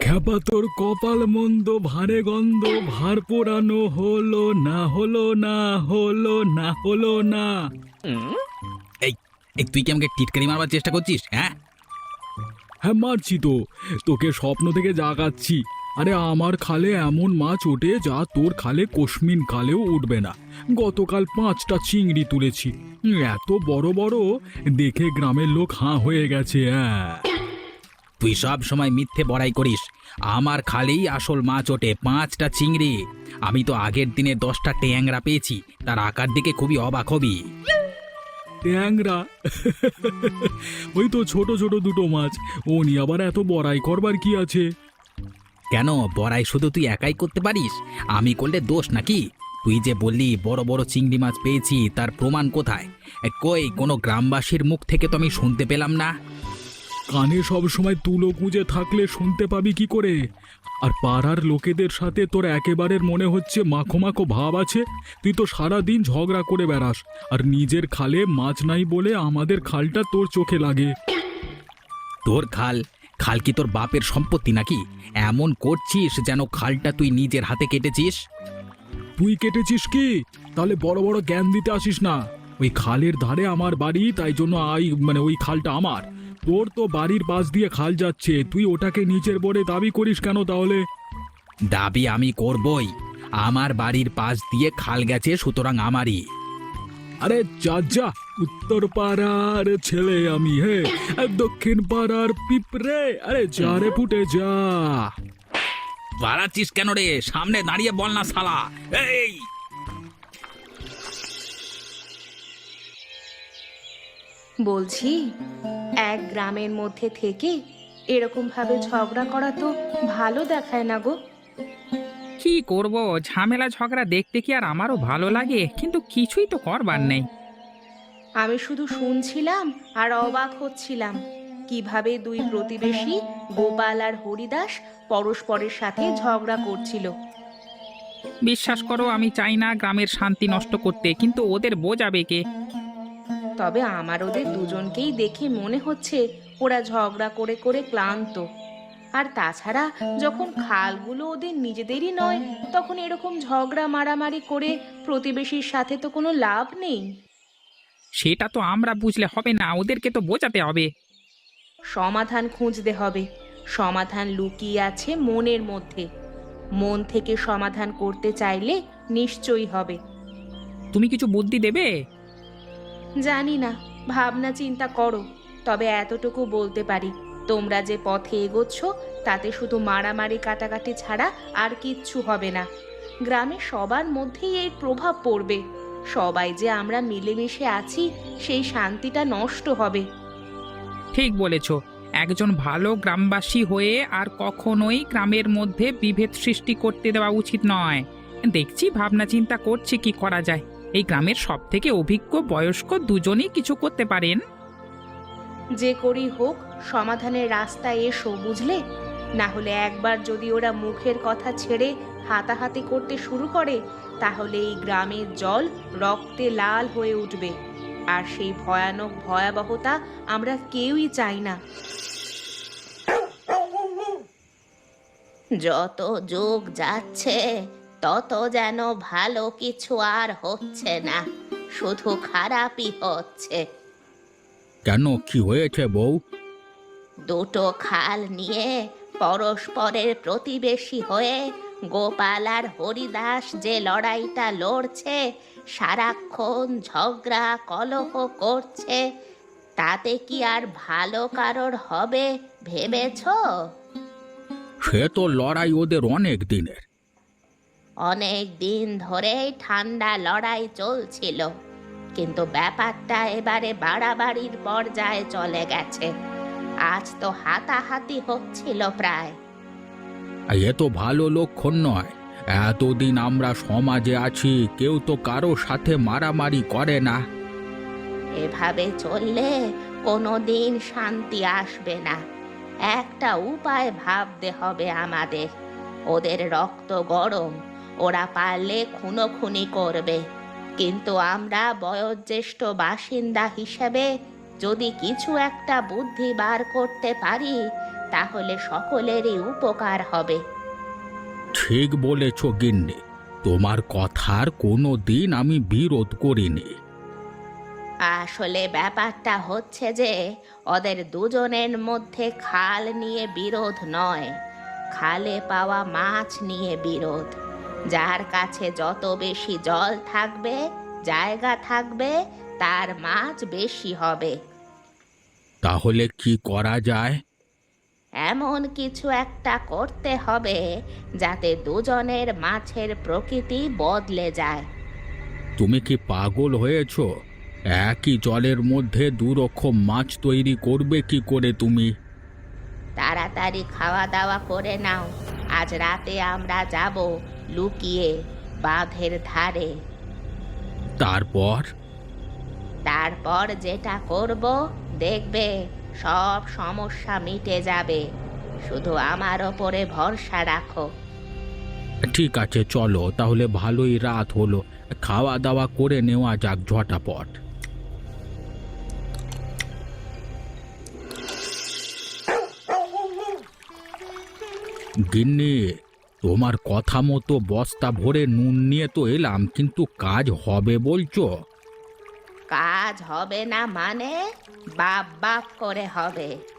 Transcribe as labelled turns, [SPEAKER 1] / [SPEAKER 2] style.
[SPEAKER 1] খ্যাপা তোর কপাল মন্দ, ভারে গন্ধ, ভার পোড়ানো হলো না, হলো না, হলো না, হলো না।
[SPEAKER 2] এই এই তুই কি আমাকে টিটকারি মারবার চেষ্টা করছিস? হ্যাঁ,
[SPEAKER 1] হ্যাঁ মারছি তো, তোকে স্বপ্ন থেকে জাগাচ্ছি। আরে আমার খালে এমন মাছ ওঠে যা তোর খালে কোশমিন কালেও উঠবে না। গতকাল 5টা চিংড়ি তুলেছি, এত বড় বড়, দেখে গ্রামের লোক হাঁ হয়ে গেছে। হ্যাঁ,
[SPEAKER 2] তুই সব সময় মিথ্যে বড়াই করিস। আমার খালেই আসল মাছ ওঠে, 5টা চিংড়ি। আমি তো আগের দিনে 10টা ট্যাংরা পেয়েছি, তার আকার দিকে খুবই অবাক হবি।
[SPEAKER 1] ট্যাংরা? ওই তো ছোট ছোট দুটো মাছ, ও নিয়ে আবার এত বড়াই করবার কি আছে?
[SPEAKER 2] কেন, বড়াই শুধু তুই একাই করতে পারিস? আমি করলে দোষ নাকি? তুই যে বললি বড় বড় চিংড়ি মাছ পেয়েছি, তার প্রমাণ কোথায়? কই, কোনো গ্রামবাসীর মুখ থেকে তো আমি শুনতে পেলাম না।
[SPEAKER 1] কানে সব সময় তুলো গুঁজে থাকলে শুনতে পাবি কি করে? আর পাড়ার লোকেদের সাথে তোর একেবারে মনে হচ্ছে মাখো মাখো ভাব আছে। তুই তো সারা দিন ঝগড়া করে বেড়াস, আর নিজের খালে মাছ নাই বলে আমাদের খালটা তোর চোখে লাগে।
[SPEAKER 2] তোর খাল? খাল কি তোর বাপের সম্পত্তি নাকি? এমন করছিস যেন খালটা তুই নিজের হাতে কেটেছিস।
[SPEAKER 1] তুই কেটেছিস কি? তাহলে বড় বড় জ্ঞান দিতে আসিস না। ওই খালের ধারে আমার বাড়ি, তাই জন্য ওই খালটা আমার। তোর তো বাড়ির পাশ দিয়ে খাল যাচ্ছে, তুই ওটাকে নিচের বলে দাবি করিস কেন তাহলে?
[SPEAKER 2] দাবি আমি করবই। আমার বাড়ির পাশ দিয়ে খাল গেছে, সুতরাং আমারই।
[SPEAKER 1] আরে যা যা, উত্তর পাড়ার ছেলে আমি, হে আর দক্ষিণ পাড়ার পিঁপড়ে। আরে যা রে ফুটে যা।
[SPEAKER 2] বাড়াচ্ছিস কেন রে? সামনে দাঁড়িয়ে বল না শালা। এই,
[SPEAKER 3] বলছি, এক গ্রামের মধ্যে থেকে এরকম ভাবে ঝগড়া করা তো ভালো দেখায় না গো।
[SPEAKER 4] কি করব, ঝামেলা ঝগড়া দেখতে কি আর আমারও ভালো লাগে, কিন্তু কিছুই তো করবার নেই।
[SPEAKER 3] আমি শুধু শুনছিলাম আর অবাক হচ্ছিলাম কিভাবে দুই প্রতিবেশী গোপাল আর হরিদাস পরস্পরের সাথে ঝগড়া করছিল।
[SPEAKER 4] বিশ্বাস করো, আমি চাই না গ্রামের শান্তি নষ্ট করতে, কিন্তু ওদের বোঝাবে কে?
[SPEAKER 3] তবে আমার ওদের দুজনকেই দেখে মনে হচ্ছে ওরা ঝগড়া করে করে ক্লান্ত। আর তাছাড়া যখন খালগুলো ওদের নিজেদেরই নয়, তখন এরকম ঝগড়া মারামারি করে প্রতিবেশীর সাথে তো কোনো লাভ নেই।
[SPEAKER 4] সেটা তো আমরা বুঝলে হবে না, ওদেরকে তো বোঝাতে হবে।
[SPEAKER 3] সমাধান খুঁজতে হবে। সমাধান লুকিয়ে আছে মনের মধ্যে। মন থেকে সমাধান করতে চাইলে নিশ্চয়ই হবে।
[SPEAKER 4] তুমি কিছু বুদ্ধি দেবে?
[SPEAKER 3] জানি না, ভাবনা চিন্তা করো। তবে এতটুকু বলতে পারি, তোমরা যে পথে এগোচ্ছ তাতে শুধু মারামারি কাটাকাটি ছাড়া আর কিচ্ছু হবে না। গ্রামে সবার মধ্যেই এর প্রভাব পড়বে। সবাই যে আমরা মিলেমিশে আছি, সেই শান্তিটা নষ্ট হবে।
[SPEAKER 4] ঠিক বলেছ। একজন ভালো গ্রামবাসী হয়ে আর কখনোই গ্রামের মধ্যে বিভেদ সৃষ্টি করতে দেওয়া উচিত নয়। দেখছি ভাবনা চিন্তা করছি কি করা যায়। এই গ্রামের সব থেকে অভিজ্ঞ বয়স্ক দুজনেই কিছু করতে পারেন।
[SPEAKER 3] যে করি হোক, সমাধানের রাস্তায় এসো, বুঝলে? না হলে একবার যদি ওরা মুখের কথা ছেড়ে হাতাহাতি করতে শুরু করে, তাহলে এই গ্রামের জল রক্তে লাল হয়ে উঠবে। আর সেই ভয়ানক ভয়াবহতা আমরা কেউই চাই না। যত যুগ যাচ্ছে তত যেন ভালো কিছু আর হচ্ছে না, শুধু খারাপই হচ্ছে।
[SPEAKER 2] কেন, কি হয়েছে বউ?
[SPEAKER 3] দুটো খাল নিয়ে পরস্পরের প্রতিবেশী হয়ে গোপাল আর হরিদাস যে লড়াইটা লড়ছে, সারাক্ষণ ঝগড়া কলহ করছে, তাতে কি আর ভালো কারোর হবে ভেবেছো?
[SPEAKER 2] সে তো লড়াই ওদের অনেক দিনের।
[SPEAKER 3] অনেক দিন ধরেই ঠান্ডা লড়াই চলছিল, কিন্তু ব্যাপারটা এবারে বাড়াবাড়ির পর্যায়ে চলে গেছে। আজ তো হাতাহাতি হচ্ছিল প্রায়।
[SPEAKER 2] এ তো ভালো লক্ষণ নয়। এতদিন আমরা সমাজে আছি, কেউ তো কারো সাথে মারামারি করে না।
[SPEAKER 3] এভাবে চললে কোনোদিন শান্তি আসবে না। একটা উপায় ভাবতে হবে আমাদের। ওদের রক্ত গরম, ওরা পারলে খুনোখুনি করবে, কিন্তু আমরা বয়োজ্যেষ্ঠ বাসিন্দা হিসেবে যদি কিছু একটা বুদ্ধি বার করতে পারি, তাহলে সকলেরই উপকার হবে।
[SPEAKER 1] ঠিক বলেছ গিন্নি, তোমার কথার কোনো দিন আমি বিরোধ করিনি।
[SPEAKER 3] আসলে ব্যাপারটা হচ্ছে যে ওদের দুজনের মধ্যে খাল নিয়ে বিরোধ নয়, খালে পাওয়া মাছ নিয়ে বিরোধ। যার কাছে যত বেশি জল থাকবে, জায়গা থাকবে, তার মাছ বেশি হবে।
[SPEAKER 1] তাহলে কি করা যায়?
[SPEAKER 3] এমন কিছু একটা করতে হবে যাতে দুজনের মাছের প্রকৃতি বদলে যায়।
[SPEAKER 1] তুমি কি পাগল হয়েছ? একই জলের মধ্যে দুরকম মাছ তৈরি করবে কি করে তুমি?
[SPEAKER 3] তাড়াতাড়ি খাওয়া দাওয়া করে নাও, আজ রাতে আমরা যাব লুকিয়ে বাঁধের ধারে।
[SPEAKER 1] তারপর?
[SPEAKER 3] তারপর যেটা করব দেখবে সব সমস্যা মিটে যাবে। শুধু আমার ওপরে ভরসা রাখো।
[SPEAKER 1] ঠিক আছে, চলো তাহলে, ভালোই রাত হলো, খাওয়া দাওয়া করে নেওয়া যাক ঝটাপট। গিন্নি, তোমার কথা মতো বস্তা ভরে নুন নিয়ে তো এলাম, কিন্তু কাজ হবে বলছো?
[SPEAKER 3] কাজ হবে না মানে? বাপ বাপ করে হবে।